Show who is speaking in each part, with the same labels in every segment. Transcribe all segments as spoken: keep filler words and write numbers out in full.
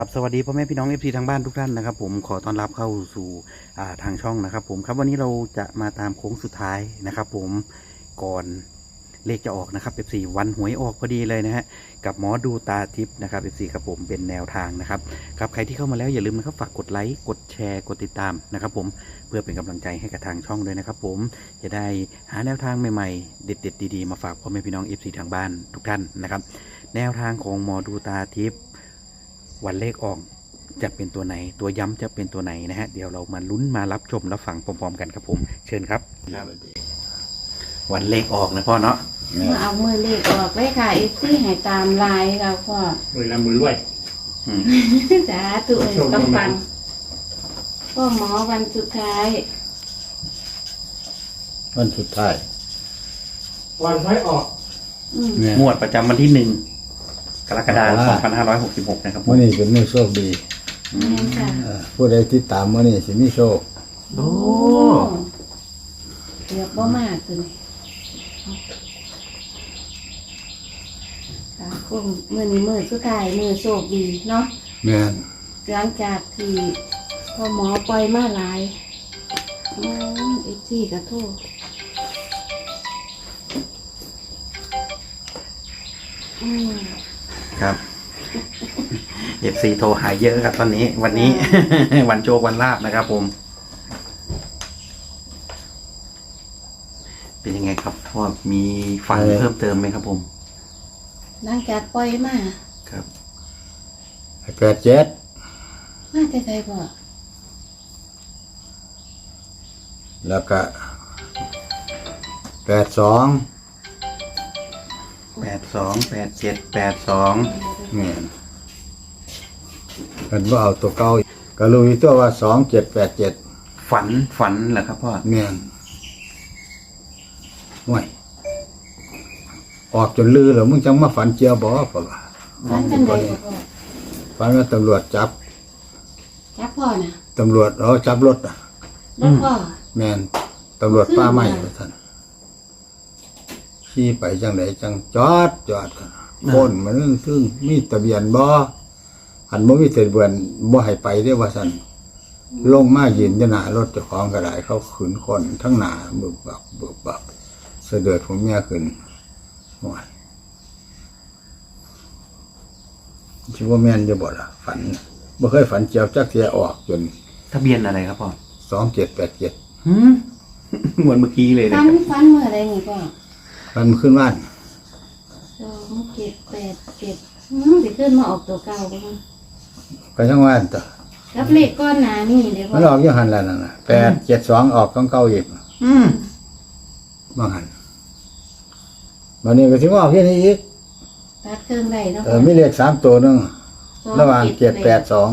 Speaker 1: ครับสวัสดีพ่อแม่พี่น้องเอฟซีทางบ้านทุกท่านนะครับผมขอต้อนรับเข้าสู่ทางช่องนะครับผมครับวันนี้เราจะมาตามโค้งสุดท้ายนะครับผมก่อนเลขจะออกนะครับเอฟซีวันหวยออกพอดีเลยนะฮะกับหมอดูตาทิพย์นะครับเอฟซีครับผมเป็นแนวทางนะครับครับใครที่เข้ามาแล้วอย่าลืมนะครับฝากกดไลค์กดแชร์กดติดตามนะครับผมเพื่อเป็นกำลังใจให้กับทางช่องด้วยนะครับผมจะได้หาแนวทางใหม่ๆเด็ดๆดีๆมาฝากพ่อแม่พี่น้องเอฟซีทางบ้านทุกท่านนะครับแนวทางของหมอดูตาทิพย์วันเลขออกจะเป็นตัวไหนตัวย้ำจะเป็นตัวไหนนะฮะเดี๋ยวเรามาลุ้นมารับชมรับฟังพร้อมๆกันครับผมเชิญครับวันเลขออกนะพ่อเนาะ
Speaker 2: มาเอามือเลขออกไว้ค่ะเอฟซีให้ตามลายเราพ่อ
Speaker 3: มือละมือรวย
Speaker 2: จ้าตัวเองต้องฟังพ่อหมอวันสุดท้าย
Speaker 4: วันสุดท้าย
Speaker 3: วันท้ายออก
Speaker 1: งวดประจำวันที่หนึ่งกรกฎาคมสองพันห้าร้อยหกสิบหกนะครับ
Speaker 4: วันนี้เป็นมื้อโชคดีผู้ใดที่ตามวันนี้สิมีโชค
Speaker 1: โอ้
Speaker 2: เกือบบ่มากเลยค่ะคุณมือนี้มือสุดท้ายมือโชคดีเนาะ
Speaker 4: แม่น
Speaker 2: หลังจากที่พ่อหมอปล่อยมาหลายอืมเอฟซีกระโทษอืม
Speaker 1: ครับเอฟซีโทรหายเยอะครับตอนนี้วันนี้ วันโจวันลาบนะครับผมเป็นยังไงครับพ่อมีฟังเพิ่มเติมไหมครับผม
Speaker 2: หลังจากปล่อยมา
Speaker 1: ครับ
Speaker 4: แปดเจ็ด
Speaker 2: มาใจใจบ่
Speaker 4: แล้วก็แปดสอง
Speaker 1: แปดสองแปดเจ็ดแปดสอง
Speaker 4: เนี่ยกันว่าเอาตัวเก่าก็รู้อยู่ตัวว่าสองเจ็ดแปดเจ็ด
Speaker 1: ฝันฝันเหรอครับพ่อ
Speaker 4: แม่นห่วยออกจนลือแล้วมึงจังมาฝันเจียวบ่ป่ะ
Speaker 2: ฝันจังได๋พ่อ
Speaker 4: ฝันว่าตำรวจจับ
Speaker 2: จับพ่อน่ะ
Speaker 4: ตำรวจเอาจับรถอ่ะ
Speaker 2: รถพ่อ
Speaker 4: แม่นตำรวจป้าไม้ว่าท่านขี่ไปจังไหนจังจอดจอดพ้นมันซึ่งมีทะเบียนบ่หันบ่มีทะเบียนบ่ให้ไปได้ว่าซั่นลงมายืนอยู่หน้ารถเจ้าของก็ได้เขาขืนคนทั้งหน้าบึบบับบึบบับเสด็จผมเมียขึ้นโอ้ยสิบ่แม่นจะบ่ล่ะฝันบ่เคยฝันเจียวจักเที่ยออกจน
Speaker 1: ทะเบียนอะไรครับพ่อ
Speaker 4: สองเจ็ดแปดเจ็ด
Speaker 1: หืมเหมือนเมื่อกี้เลยนะ
Speaker 2: ฝันฝันเมื่อไรไงพ่อ
Speaker 4: มันขึ้นบ้าน
Speaker 2: สองเจ็ดแปดเจ็ดสิขึ้นมาออกตัวเก่าบ้าง
Speaker 4: ก็ทั้งวันต่อ
Speaker 2: รับเลขก้อนหนานี่เดี๋ยว
Speaker 4: มันออกยี่หันแล้วนั่นนะแปดเจ็ดสองออกของเก่าอีก
Speaker 1: อืม
Speaker 4: บางหันวันนี้ก็ถึงออกที่นี่อีก
Speaker 2: ตัดเครื่องได้แล้ว
Speaker 4: เออมีเลขสามตัวนึงระหว่างเจ็ดแปดสอง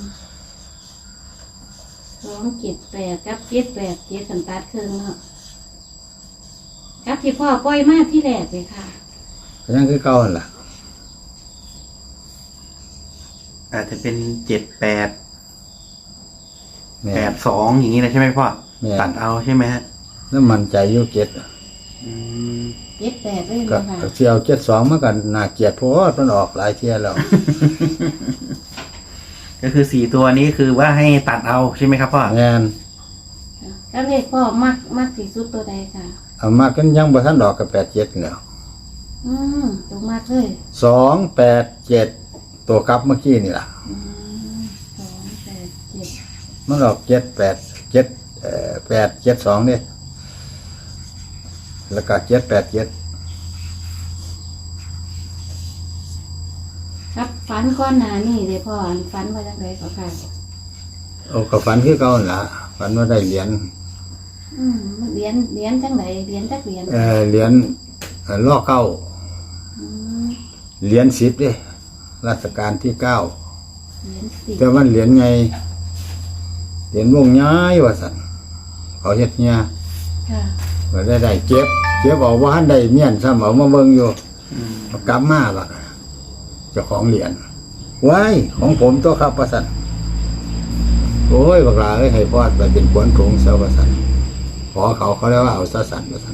Speaker 2: สองเจ็ดแปดกับเจ็ดแปดเจ็ดสันตัดเครื่องเนาะกับที่พ่อปล่อยมาที่แรกเลยค่ะ
Speaker 4: ก็ยังคือเก่าหั่นล่ะ
Speaker 1: อาจจะเป็นเจ็ดแปดแปดสองอย่างนี้นะใช่ไหมพ่อตัดเอาใช่ไหมฮะ
Speaker 4: แล้วมันใจยุ่เจ็ด
Speaker 2: เจ็ดแปดเลย
Speaker 4: ก็เสี่ยวเจ็ดสองเมื่อกันน่าเกลียดเพราะว่ามันออกหลายเที่ยแล้ว
Speaker 1: ก็คือสี่ตัวนี้คือว่าให้ตัดเอาใช่ไหมครับพ่อ
Speaker 4: แม่น
Speaker 2: แล้วเลขพ่อมากมากที่สุดตัวใดค่ะ
Speaker 4: เอามากันยังบ่ทันดอกกับแปดเจ็ดแล้ว
Speaker 2: อืมตรงมากเลย
Speaker 4: สองแปดเจ็ดตัวกลับเมื่อกี้นี่ล่ะ
Speaker 2: อืมสองแปดเจ็ด
Speaker 4: มันออกเจ็ดแปดเจ็ดเอ่อแปดเจ็ดสองเนี่ยแล้วก็เจ็ดแปดเจ็ด
Speaker 2: ครับฝันก้อนหนานี่เดี๋ยวพ่อฝันว่าจังไรก็ค่ะ
Speaker 4: โอ้ก็ฝันคือเก่าล่ะฝันว่าได้เหรียญ
Speaker 2: อืมเหรียญเหรียญจังไหนเหรียญจักเหรียญ
Speaker 4: เออเหรียญล่อเก้าเหรียญสิบเด้รัชกาลที่เก้าแต่ว่าเหรียญไงเหรียญวงย้ายว่าสันเขาเฮ็ดเนี่ยว่าได้ได้เก็บเก็บเอาว่าได้เมียนซ้ำเอามาเบิ่งอยู่กลับมาบักเจ้าของเหรียญไว้ของผมตัวครับว่าสันโอ้ยบักลาเอ้ยให้พอดไปเป็นขวัญถุงเสาว่าสันขอเขาเขาเรียกว่าเอาซะสันว่าสัน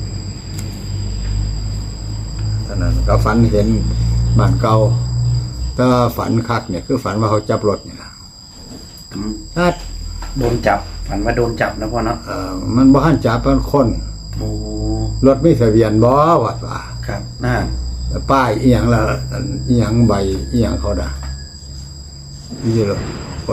Speaker 4: ท่านั้นก็ฝันเห็นบ้านเก่าแต่ว่าฝันคักเนี่ยคือฝันว่าเขาจับรถเนี่ยนะ
Speaker 1: อืม
Speaker 4: ถ้า
Speaker 1: โดนจับฝันว่าโดนจับนะพ่อเนาะ
Speaker 4: เอ่อมันบ่ทันจับเป็นคน
Speaker 1: โอ้
Speaker 4: รถไม่ทะเบียนบ่วัดว่า
Speaker 1: ครับน่า
Speaker 4: ป้ายอีหยังละอีหยังใบอีหยังเขาด่ะนี่รถคน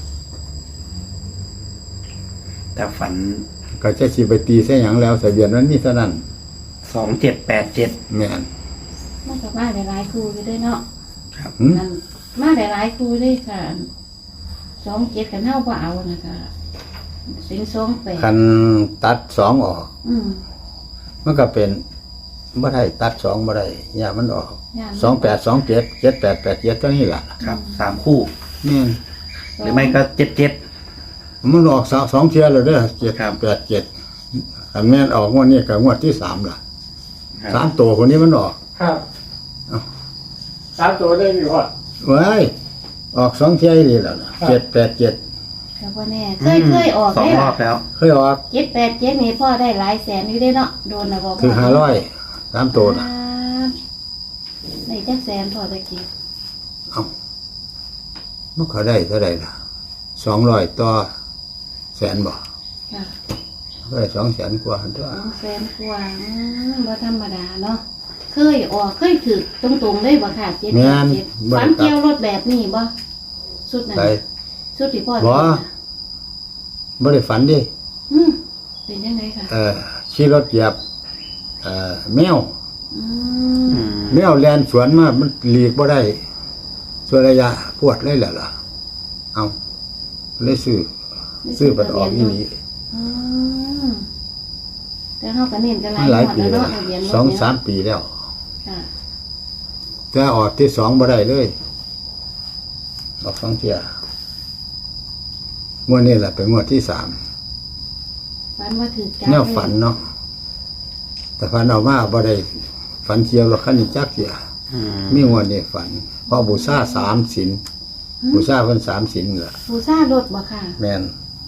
Speaker 1: แต่ฝัน
Speaker 4: ก็จะสิไปตีใส่หยังแล้วทะเบียนมันมีเท่านั้น
Speaker 1: สองเจ็ดแปดเจ็ด
Speaker 4: แม่น
Speaker 2: มันก็มาหลายๆครูอยู่ด้วยเนาะ
Speaker 1: ครับ
Speaker 4: หึ
Speaker 2: มันมาหลายๆครูด้วยค่ะสองเจ็ดกันเท่าบ่เอานะคะสิงสองแปด
Speaker 4: คันตัดสองออก
Speaker 2: อืม
Speaker 4: มันก็เป็นบ่ได้ตัดสองบ่ได้อย่ามันออก
Speaker 2: ย่าน
Speaker 4: สองแปดสองเจ็ดเจ็ดแปดแปดเจ็ดตัวนี้ล่ะ
Speaker 1: ครับสามคู่
Speaker 4: แม่น
Speaker 1: หรือไม่ก็เจ็ดเจ็ด
Speaker 4: มันออกสองสองเทียแล้วเด้อเจ็ด
Speaker 1: ครับ
Speaker 4: แปดเจ็ดคันแม่นออกงวดนี้ก็งวดที่สามล่ะ
Speaker 1: ครับ
Speaker 4: สามตัวคนนี้มันออก
Speaker 3: ครับ
Speaker 4: เอ้า
Speaker 3: สามตัวได้อยู่พ่อ
Speaker 4: เว้ยออกสองเทียนี่แล้วนะเจ็ดแปดเจ็ด
Speaker 2: ก็บ่แน่เคยเคยออก
Speaker 1: สอง
Speaker 2: ได้
Speaker 1: ร
Speaker 2: ล่ะ
Speaker 1: อบแล้ว
Speaker 4: เคยออก
Speaker 2: เจ็ดแปดเจ็ดนี่พ่อได้หลายแสนอยู่ได้เนาะโดนนะบ่พ่
Speaker 4: คือห้าร้อยสามตัวนะ
Speaker 2: ครับได้จักแสนพอตะกี้
Speaker 4: เอ้ามันเขาได้เท่าไหร่ล่ะสองร้อยต่อแสนบ่
Speaker 2: ค่ะ
Speaker 4: ก็ได้สองแสนกว่าตัว
Speaker 2: สองแสนกว่าอืมบ่ธรรมดาเนาะเคยออกเคยถือตรงๆเลยบ่ค่ะเจ็ด
Speaker 4: แม่น
Speaker 2: เจ็ด
Speaker 4: บ่
Speaker 2: ฝั
Speaker 4: ได้
Speaker 2: น
Speaker 4: ตั
Speaker 2: เกี่ยว
Speaker 4: ด
Speaker 2: รถแบบนี้บ่สุดนั้น
Speaker 4: ไป
Speaker 2: สุดที่พ่อ
Speaker 4: บ่
Speaker 2: ได้นะ
Speaker 4: บ่ได้ฝันดิ
Speaker 2: อืมเป็นยังไงค่ะ
Speaker 4: เอ่อขี่รถเหยียบเอ่อแมว
Speaker 2: อืม
Speaker 1: อืม
Speaker 4: แมวแลนสวนมามันหลีกบ่ได้ส่วนระยะปวดเลยแหละล่ะเอาเลยซื้อซื้อบัตรออกอีนี้
Speaker 2: อืมแต่เฮาก็เน้นกันหลา
Speaker 4: มั
Speaker 2: ย
Speaker 4: นหลาย
Speaker 2: งวด
Speaker 4: ปี
Speaker 2: แล้ว
Speaker 4: แล้ว
Speaker 2: เนาะทะเบียนรถ
Speaker 4: สอง
Speaker 2: เนี่ย
Speaker 4: สามปีแล้ว
Speaker 2: ค่ะ
Speaker 4: แต่ออกที่สองบ่ได้เลยออกสองเที่ยงวดนี้แหละเป็นงวดที่สาม
Speaker 2: ฝันว่าถือจับ
Speaker 4: แนวฝันเนาะแต่ฝันเอามาบ่ได้ฝันเกี่ยวกับขันนี้จักเสีย
Speaker 1: อืม
Speaker 4: มีงวดนี้ฝันเพอบูชาสามศีลบูชาเพิ่นสามศีลล่ะ
Speaker 2: บูซ่ารถบ่ค่ะ
Speaker 4: แม่น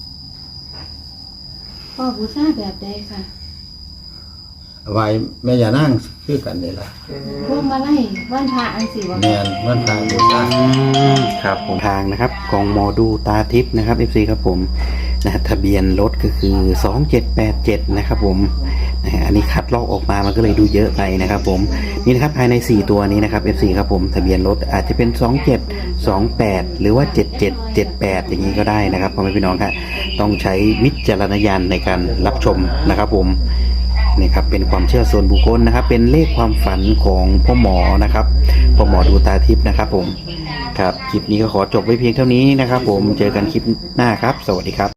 Speaker 2: พ่อบูซ่าแบบใดค่ะ
Speaker 4: ไหวแม่ย่านางคือกันนี่ล่ะ
Speaker 2: พวกมาไล่วันพระอันสิบ่
Speaker 4: แม่นมันทางบูชา
Speaker 1: อืมครับผมทางนะครับของหมอดูตาทิพย์นะครับ เอฟ ซี ครับผมนะฮะทะเบียนรถก็คือสองเจ็ดแปดเจ็ดนะครับผมนะฮะอันนี้คัดลอกออกมามันก็เลยดูเยอะไปนะครับผมนี่นะครับภายในสี่ตัวนี้นะครับ เอฟ ซี ครับผมทะเบียนรถอาจจะเป็นสองเจ็ด สองแปดหรือว่าเจ็ดเจ็ด เจ็ดแปดอย่างนี้ก็ได้นะครับพ่อแม่พี่น้องครับต้องใช้วิจารณญาณในการรับชมนะครับผมนี่ครับเป็นความเชื่อส่วนบุคคลนะครับ เป็นเลขความฝันของพ่อหมอนะครับพ่อหมอดูตาทิพย์นะครับผมครับคลิปนี้ก็ขอจบไว้เพียงเท่านี้นะครับผมเจอกันคลิปหน้าครับ สวัสดีครับ